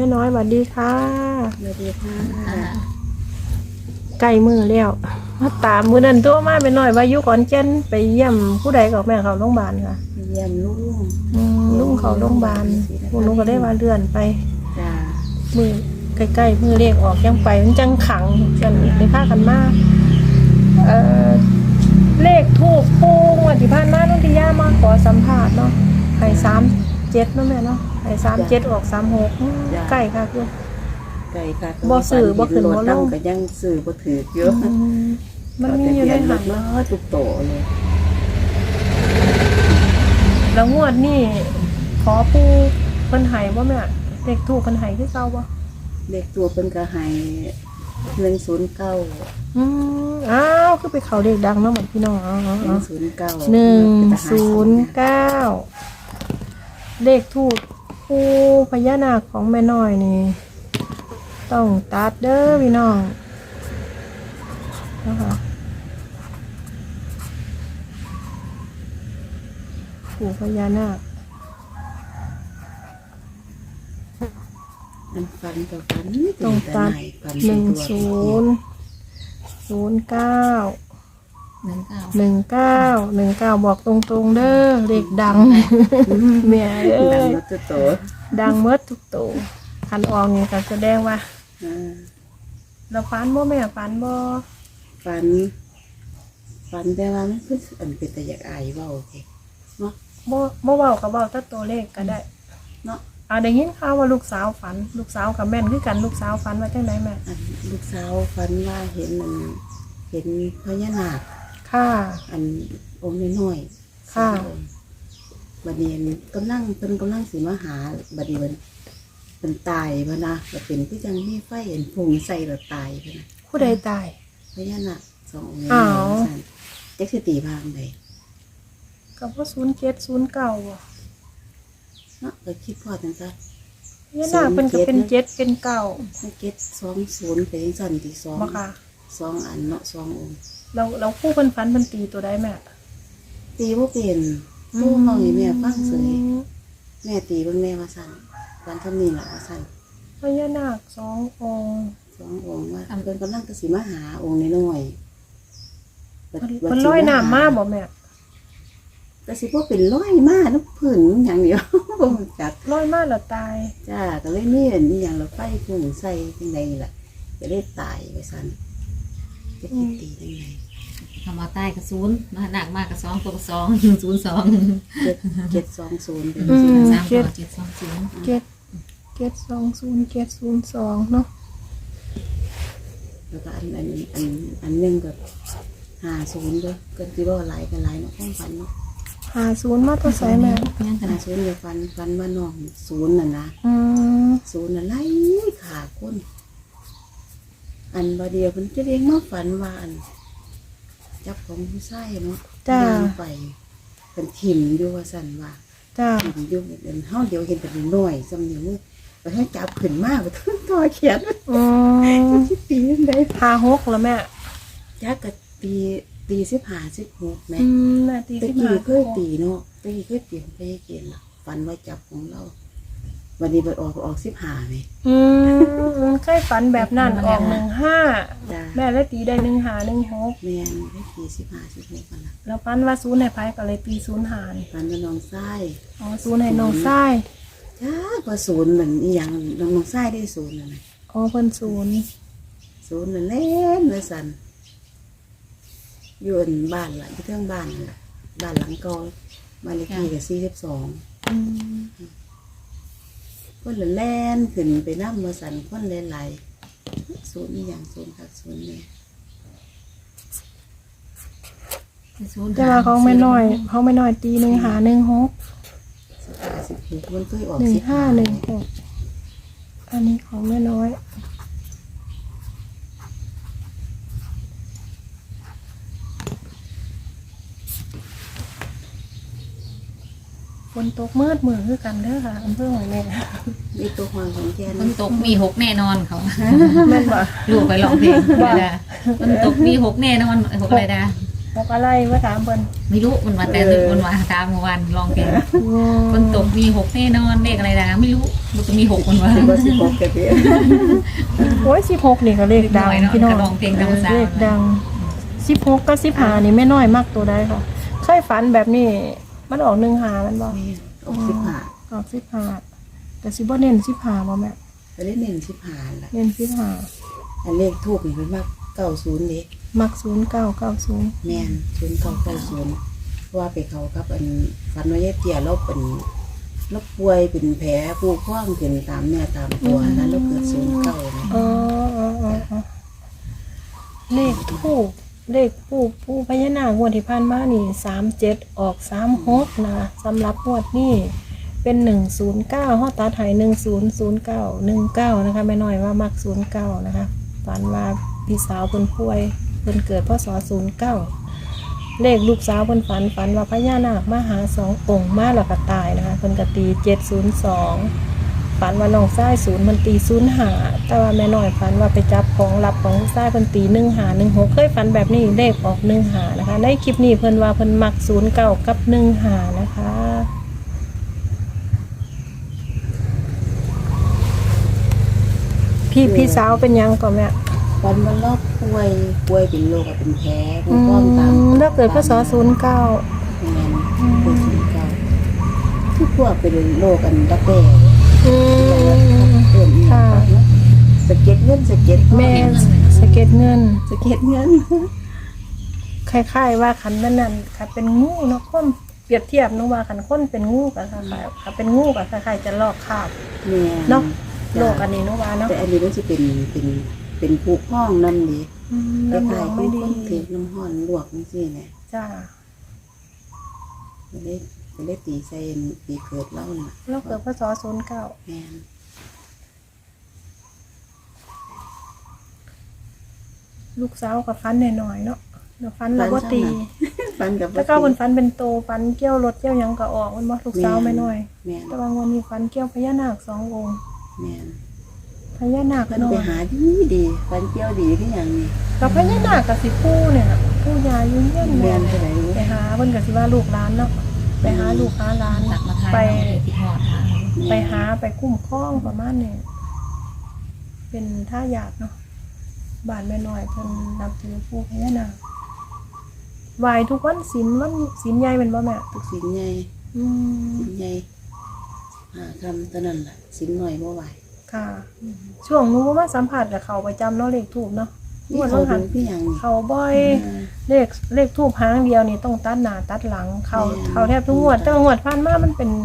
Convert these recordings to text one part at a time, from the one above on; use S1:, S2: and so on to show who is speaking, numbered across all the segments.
S1: ม่น้อยสวัสดีค่ะ
S2: สวัสดีค่ะ
S1: ใกล้มือแล้วมาตามมือนั้นตัวมาแม่น้อยว่าอยู่ขอนแก่นไปเยี่ยมผู้ใดกับแม่เขาโรงพยาบาลค่ะ
S2: เยี่ยมลุง
S1: ลุงเขาโรงพยาบาลพวกหนูก็ได้ว่าเลื่อนไป
S2: จ้า
S1: มือใกล้ๆมือเลขออกยังไปมันจังขังกันอีกในภาคกันมากเลขทูบปูงวันที่ผ่านมานุ่นที่ย่ามาขอสัมภาษณ์เนาะให้37เนาะแม่เนาะให้37ออก36ใกล้ค่ะคือ
S2: ไก่ค่ะ
S1: บ่ซื้อบ่ขึ้นบ่ลง
S2: ก็ยังซื้อบ่ถือเยอะ
S1: มันมีอยู่ในหัน
S2: เนาะทุกโตเลย
S1: แล้วงวดนี่ขอปูเพิ่นให้บ่แม่เลขทูบเพิ่นให้คือเก่าบ่
S2: เด็กตัวเพิ่นก็ให้109
S1: อ้าวคือไปเขาเลขดังเนาะเหมือนพี่น้อง
S2: 109
S1: 109เลขทูบปูพญานาคของแม่น้อยนี่ต้องตัดเด้อพี่น้องนะคะปู่พญานาค
S2: มันฟันกับฟัน
S1: ต้องตัด1009 19บอกตรงๆเด้อเลขดังแม่เอ้
S2: ดัง
S1: ย
S2: มาตัวโต
S1: ดังเมิดทุกตัวคันออกนี่ก็แสดงว่าเราฝันบ่แม่ฝันบ่
S2: ฟันแต่ว่ามันคืออันเป็นแต่อยากอายเว้าโอเคเนาะ
S1: บ่เว้าก็เว้าแต่ตัวเลขก็ได้
S2: เนาะ
S1: ได้ยินข่าวว่าลูกสาวฝันลูกสาวกับแม่นคือกันลูกสาวฝันว่าจังไดแม่
S2: อันลูกสาวฝันว่าเห็นพญานาค
S1: ค่ะ
S2: อันองค์น้อยๆ
S1: ค่ะ
S2: บัดนี้กำลังสิมาหาบัดนี้มันตายพะนะก็เป็นที่จังมีไฟเห็นพุงใส่แล้วตายพะนะ
S1: ผู้ใดตาย
S2: พญานาคสององค์
S1: อ้าว
S2: สั่นจักสิตีพางใด
S1: ก็บ่07 09บ่
S2: เนาะก็คิดพอจังซั่น
S1: พญานาคเพิ่นก็เป็น7เป็น9
S2: มันเก็ด20เป็นจังซั่นตีสอง
S1: บ่ค่ะ
S2: สองอันเนาะสององค์
S1: แล้วผู้เพิ่นฝันเพิ่นตีตัวใดแม่
S2: ตีบ่เป็นผู้เฮาให้แม่ฟังเสยแม่ตีเบิ่งแม่ว่าซั่นวันทำนี้ล่ะว่าซั่น
S1: พญานาค2องค์
S2: สององค์ว่าเพิ่นกำลังจะสิมาหาองค์น้อยๆ
S1: เพิ่นลอยน้ำมาบ่แม่
S2: ก็สิบ่เป็นร้อยมาน้ำพื้นอย่างเดียว บ่รู้จัก
S1: ลอยมาแล้วตาย
S2: จ้าก็เลยมีอันนี้อย่างเราไฟพุ่งใส่จังไดนี่ล่ะจะได้ตายไปซั่นจะคิดตีจังได
S3: ทำมาใต้กระซูนมาหนักมากกระ2ตัวกระ2
S2: 720เป็น
S3: 3ตัว720
S1: 720 เนาะ
S2: แล้วก็อันนึงก็50เด้อก็สิบ่หลายกันหลายเนาะความฝันเนาะ
S1: 50มาตัวใส่แม่
S3: ยังกัน
S2: 50เดี๋ยวฝันว่าน้องศูนย์น่ะนะ ศูนย์น่ะไล่ขาคนอันบ่เดียวเพิ่นจะเรียกมาฝันว่าอันจับของผู้ชายเนาะ
S1: จ้า
S2: ย่างไปเป็นถิ่มอยู่ว่าสั่นว่า
S1: จ้า
S2: ถิ่มอยู่เดินเฮาเดี๋ยวเห็นเป็นน้อยสำเนียงมือไปให้จับขึ้นมาบ่ถึงตัวเขียน สิตีจังได๋
S1: 56แล้วแม่
S2: จักก็ตี15 16แม่
S1: แม่ตี
S2: ตะ
S1: ขึ้น
S2: กี้
S1: มา
S2: เคยตีเนาะตะกี้เคยตีไปให้เกณฑ์ล่ะฝันว่าจับของเราวันนี้มันออก15แม่
S1: เคยฝันแบบนั้นออก15
S2: จ้า
S1: แม่เลยตีได้15 16
S2: แม่นได้ตี15 16กันล่ะ
S1: แล้วฝันว่าศูนย์ให้ไผก็เลยตี05นี่
S2: ฝันว่าน้องชาย
S1: อ๋อศูนย์ให้น้องชาย
S2: จ้าว่าศูนย์เหมือนอีหยังน้องชายได้ศูนย์น่ะนะ
S1: อ๋อเพิ่นศูนย์
S2: ศูนย์นั่นเล่นเลยสันอยู่อันบ้านล่ะที่เทิงบ้านนั่นล่ะบ้านหลังเก่าบ้านเลขที่ก็42คนละแล่นขึ้นไปน้ำมาสันคนหลายๆศูนย์อีหยังศูนย์คักศูนย์เนี่ย
S1: แต่ว่าเขาไม่น้อยตี15 16
S2: 16มันเคยออก
S1: 15 16อันนี้ของแม่น้อยฝนตกมืดมือคือกันเด้อค่ะอำเภอหอยแม่
S2: มีตัวหวางของแก
S3: มันตกมี6แน่นอนเขา
S1: แม่นบ่
S3: ลูกไปร้องเพลงได้มันตกมี6แน่นอน6อะไรนะ
S1: บอกอะไรว่าถามเพิ่น
S3: ไม่รู้มันมาแต่ดึกมันมาตามเมื่อวานร้องเพลงมันตกมี6แน่นอนเลขอะไรนะไม่รู้มันจะมีหกคนวะ
S2: สิบ่สิ6ก็เด้อ
S1: โอ้ย16นี่ก็เลขดัง
S3: เนาะ
S1: พี่น้อง
S3: กระดองเพลงดังสาว
S1: เลขดัง16กับ15นี่แม่น้อยมากตัวใดค่ะเคยฝันแบบนี้มันออก15มันบ่
S2: แม่ออก15
S1: ออก15แต่สิบ่เน้น15บ่แม่
S2: ก็ได้เน้น15ล่ะ
S1: เน้น
S2: อันเลขทูปนี่เพิ่นว่า90เด้
S1: 15มัก0990
S2: แม่น0990เพราะว่าไปเขากับอันฝันว่ายายเตี้ยเราเป็นเราป่วยเป็นแผลผู้พองขึ้นตามเนื้อตามตัวนั้นเราเกิด09นี่
S1: อ๋อเลขทูปเลขผู้พญานาคงวดที่ผ่านมานี่37ออก36นะสำหรับงวดนี้เป็น109เฮาตัดให้100919นะคะแม่น้อยว่ามัก09นะคะฝันว่าพี่สาวเพิ่นป่วยเพิ่นเกิดพศ09เลขลูกสาวเพิ่นฝันว่าพญานาคมาหา2องค์มาแล้วก็ตายนะคะเพิ่นก็ตี702ฝันว่าน้องชาย0มันตี05แต่ว่าแม่น้อยฝันว่าไปจับของลับของลูกชายเพิ่นตี1516เคยฝันแบบนี้เลขออก15นะคะในคลิปนี้เพิ่นว่าเพิ่นมัก09กับ15นะคะพี่สาวเป็นยังก่อนแม่
S2: ฝันว่าเราป่วยเป็นโรคอะเป็นแผลผู้พองตาม
S1: แล้วเกิดพศ09
S2: แม่นเป็น09คือพวกเป็นโรคอันดักแด้
S1: อืม
S2: เพิ่นอีก
S1: ค่ะ
S2: สะเก็ดเงินสะเก็ดทอง
S1: แม่สะเก็ดเงิน
S2: สะเก็ดเงิน
S1: คล้ายๆว่าขันนั่นค่ะเป็นงูเนาะคนเปรียบเทียบนึกว่าขันคนเป็นงูกับคล้ายๆค่ะเป็นงูกับคล้ายๆจะลอกคราบ
S2: แม่น
S1: เนาะโล
S2: จ้ะ
S1: กอันนี้นึกว่าเนาะ
S2: แต่อันนี้มันจะเป็นผู้พองนั่นนี่ ค
S1: น้ำห
S2: ล้า
S1: อย ง
S2: ๆ
S1: ไม่
S2: คือ
S1: ดี
S2: คนถือน้ำห้อนลวกนี่สิเนี่ย
S1: จ้า
S2: ไม่ได้ตีใส่ปีเกิดเล่าน่ะ
S1: แล้วเกิดพศ09
S2: แม่น
S1: ลูกสาวกับฟันหน่อยๆเนาะเดี๋ยวฟันเราก็ตี
S2: ฟันกับ
S1: แล้วก็คนฟันเป็นโตฟันเกี้ยวรถเกี้ยวหยังก็ออกมันบ่ลูกสาวไม่น้อย
S2: แม่น
S1: แต่บางวันนี้ฟันเกี้ยวพญานาค2องค์
S2: แม่น
S1: พญานาค
S2: เพิ่น
S1: น้อ
S2: ไป
S1: ย
S2: หาดีฟันเกี้ยวดีขึ้นอย่างนี้
S1: กับพญานาคกับสิผู้เนี่ยน่ะผู้ยายุ่งเยี่ยม
S2: แม่
S1: แม่
S2: นเท่าไหร่รู้
S1: ไปหาเพิ่นก็สิว่าลูกหลานเนาะไปหาลูกหาหลาน
S3: ตักมาทาย
S1: ไป
S3: ที่หอดหา
S1: ไปหาไปคุ้มครองประมาณนี้เป็นท่ายาดเนาะบ้านแม่น้อยเพิ่นนับถือปู่พญานาคไหว้ทุกวันศีลใหญ่เป็นบ่แม่
S2: ทุกสิ่งใหญ่
S1: อืม
S2: สิ่งใหญ่หาคำตอนนั้นล่ะสิ่งหน่อยบ่ไหว
S1: ค่ะ ช่วงหนู้มาสัมผัสกับเขาประจำเนาะเลขทูบเนาะ
S2: นี่เขาดูพี่อย่างนี้
S1: เขาบ่อยเลขทูบหางเดียวนี่ต้องตัดหน้าตัดหลังเขาแทบทุกงวดแต่ว่างวดผ่านมามันเป็น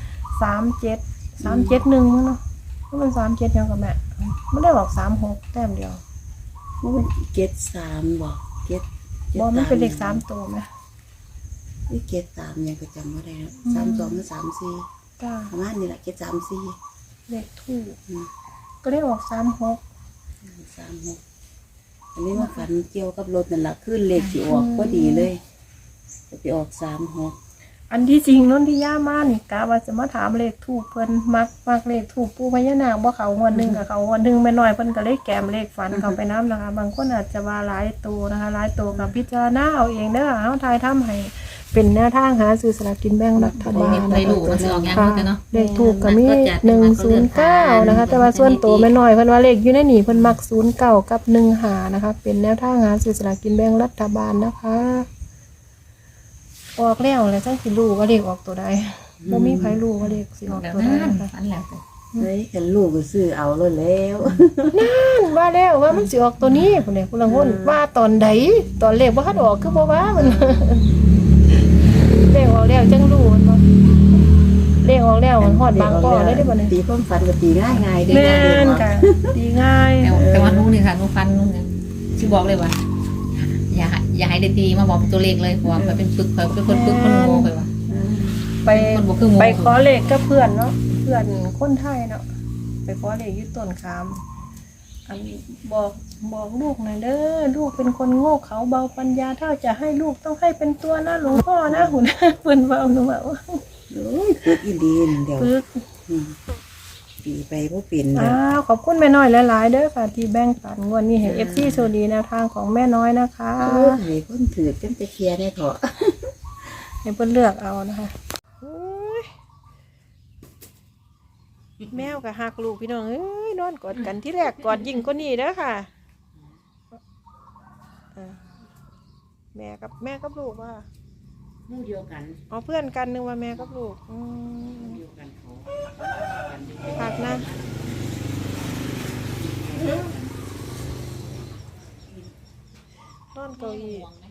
S1: 37 1เนาะมัน37ยังกับแม่ไม่ได้บอก36แต้มเดียว
S2: มันเก็ด3บ่เก็ด
S1: บ่มันเป็นเลข3ตัวไหม
S2: นี่เก็ด3ยังก็จำบ่ได้แล้ว32หรือ34
S1: จ้า
S2: ประมาณนี้แหละเก็ด34
S1: เลขทูบก็ได้ออก36
S2: 36อันนี้ว่าฝันเกี่ยวกับรถนั่นล่ะขึ้นเลขสิออกพอดีเลยจะไปออก36
S1: อันที่จริงนนทิยามานี่กะว่าจะมาถามเลขทูบเพิ่นมักเลขทูบปู่พญานาคบ่เขางวดหนึงกับเขางวดหนึงแม่น้อยเพิ่นก็เลยแกมเลขฝันเขาไปนํนะคะ บางคนอาจจะว่าหลายตัวนะคะหลายตัวกับพิจารณาเอาเองเด้อเฮาทายทำให้เป็นแนวทางหาซื้อสลากกินแบ่งรัฐบาล
S3: ใน
S1: นะ
S3: ลู
S1: คะ
S3: กมันจะออกยัง
S1: ค่ะ
S3: ไงเนาะ
S1: เลขถูกก็มี109นะคะแต่ว่าส่วนตัวแม่น้อยเพิ่นว่าเลขอยู่ในนี่เพิ่นมัก09กับ15นะคะเป็นแนวทางหาซื้อสลากกินแบ่งรัฐบาลนะคะออกแล้วแล้วจังสิรู้ว่าเลขออกตัวใดบ่มีใครรู้ว่าเลขสิออก
S3: แล้ว
S1: ตัวใด
S3: นั่น
S1: นะคะ
S3: ฝันแล้วแต่
S2: เฮ้ยกันลูกก็ซื้อเอาเลยแล้ว
S1: ว่าแล้วว่ามันสิออกตัวนี้พุ่นนี่พุ่นละคนว่าตอนใดตอนเลขบ่ทันออกคือบ่ว่ามัน เลขออกแล้วจังรู้มันบ่เลขออกแล้วมันฮอดบางก้อเลยได้บ่เนี่ย
S2: ตีความฝันก็ตีง่ายๆได้
S1: แม่
S2: ง่าย
S1: นค่ะดีง่าย
S3: แต่ว่านู้นนี่ค่ะนู้นฟันนู้นเนี่ยชิบอกเลยว่าอย่าให้ได้ตีมาบอกเป็นตัวเลขเลยเพราะว่ามันเป็นปึกเป็นคนปึกคนโง่ไปว่ะ
S1: ไป
S3: คนบ่คือโง่
S1: ไปขอเลขกับเพื่อนเนาะเพื่อนคนไทยเนาะไปขอเลขอยู่ต้นขามอันบอกลูกหน่อยเด้อลูกเป็นคนโง่เขาเบาปัญญาถ้าจะให้ลูกต้องให้เป็นตัวนะหลวงพ่อนะหุ่นเพิ่นเว้าหนูว่า
S2: โอ้ยปึกอีลีนเดี๋ยว
S1: ปึก
S2: ตีไปบ่เป็น
S1: อ้าวขอบคุณแม่น้อยหลายๆเด้อค่ะที่แบ่งปันงวดนี้ให้ FC โชคดีแนวทางของแม่น้อยนะคะ
S2: ให้คนถือกันจะเคลียร์ได้เถอะ
S1: ให้เพิ่นเลือกเอานะคะแมวกับหักลูกพี่น้องเอ้ยนอนกอดกันที่แรกกอดยิ่งกว่านี้เด้อค่ะอ่าแม่กับลูกว่า
S2: หมู่เดียวกัน
S1: อ๋อเพื่อนกันนึกว่าแม่กับลูก
S2: หมู่เดียวกันเขากันอยู่
S1: หักนะนอนเก้าอี้
S3: ห่วงไหม